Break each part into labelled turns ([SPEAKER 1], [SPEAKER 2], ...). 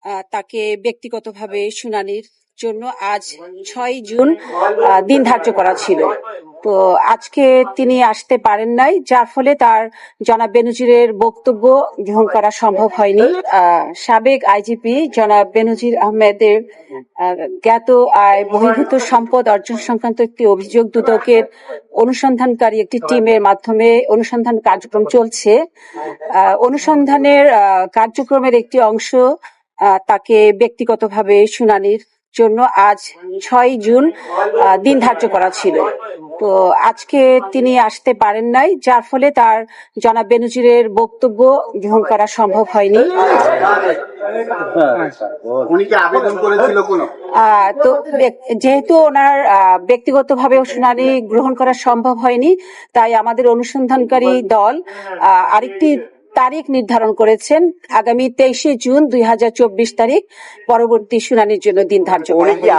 [SPEAKER 1] তাকে ব্যক্তিগতভাবে শুনানির জন্য আজ ৬ জুন দিন ধার্য করা ছিল। তো আজকে তিনি আসতে পারেন নাই, যার ফলে তার জনাব বেনজিরের বক্তব্য গ্রহণ করা সম্ভব হয়নি। সাবেক আইজিপি জনাব বেনজির আহমেদের জ্ঞাত আয় বহির্ভূত সম্পদ অর্জন সংক্রান্ত একটি অভিযোগ দুদকের অনুসন্ধানকারী একটি টিমের মাধ্যমে অনুসন্ধান কার্যক্রম চলছে। অনুসন্ধানের কার্যক্রমের একটি অংশ তাকে ব্যক্তিগতভাবে শুনানির জন্য আজ ৬ জুন দিন ধার্য করা ছিল। তো আজকে তিনি আসতে পারেন নাই, যার ফলে তার জনাব বেনজিরের বক্তব্য গ্রহণ করা সম্ভব হয়নি। তো যেহেতু ওনার ব্যক্তিগতভাবে শুনানি গ্রহণ করা সম্ভব হয়নি, তাই আমাদের অনুসন্ধানকারী দল আরেকটি তারিখ নির্ধারণ করেছেন, আগামী 23শে জুন 2024 তারিখ পরবর্তী শুনানির জন্য দিন ধার্য করা হয়েছে।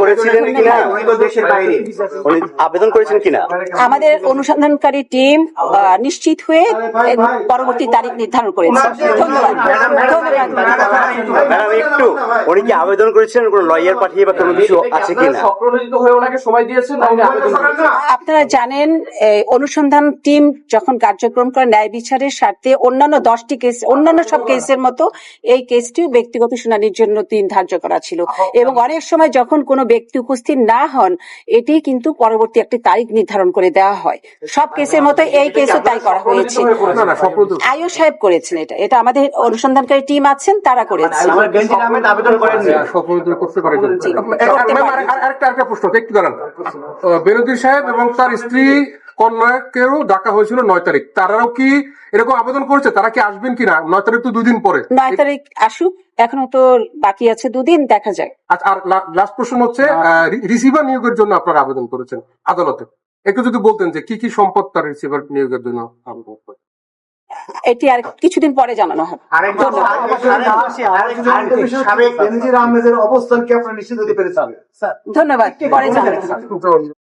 [SPEAKER 2] আবেদন করেছেন কিনা
[SPEAKER 1] আমাদের অনুসন্ধানকারী টিম নিশ্চিত হয়ে পরবর্তী তারিখ নির্ধারণ করেছে।
[SPEAKER 2] ধন্যবাদ। একটু উনি কি আবেদন করেছেন, কোন লয়ার পাঠিয়ে বা কোনো কিছু আছে কিনা?
[SPEAKER 1] আপনারা জানেন, অনুসন্ধান টিম যখন কার্যক্রম করে ন্যায় বিচারের স্বার্থে অন্যান্য 10টি কেস, অন্যান্য সব কেসের মতো এই কেসটিও ব্যক্তিগত শুনানির জন্য দিন ধার্য করা ছিল, এবং অনেক সময় যখন কোনো ব্যক্তি উপস্থিত না হন, এটি কিন্তু পরবর্তী একটি তারিখ নির্ধারণ করে দেওয়া হয়। সব কেসের মতো এই কেসও তাই করা হয়েছে। আইও সাহেব করেছেন, এটা আমাদের অনুসন্ধানকারী টিম আছেন, তারা করেছে।
[SPEAKER 3] আরেকটা প্রশ্ন, একটু দাঁড়ান। বেনজির সাহেব এবং তার স্ত্রী কন্যাকেও ডাকা হয়েছিল 9 তারিখ, তারাও কি এরকম আবেদন করেছে? তারা কি আসবেন কিনা? 9 তারিখ তো 2 দিন পরে।
[SPEAKER 1] 9 তারিখ আসুক, এখনো তো বাকি আছে 2 দিন, দেখা যায়।
[SPEAKER 3] আর লাস্ট প্রশ্ন হচ্ছে, রিসিভার নিয়োগের জন্য আপনারা আবেদন করেছেন আদালতে, একটু যদি বলতেন যে কি কি সম্পদ তার রিসিভার নিয়োগের জন্য আবেদন করে।
[SPEAKER 1] এটি আর কিছুদিন পরে জানানো হবে।
[SPEAKER 4] সাবেক বেনজির আহমেদের অবস্থান কি আপনারা নিশ্চিত হতে পেরেছেন?
[SPEAKER 1] ধন্যবাদ, পরে জানানো হবে।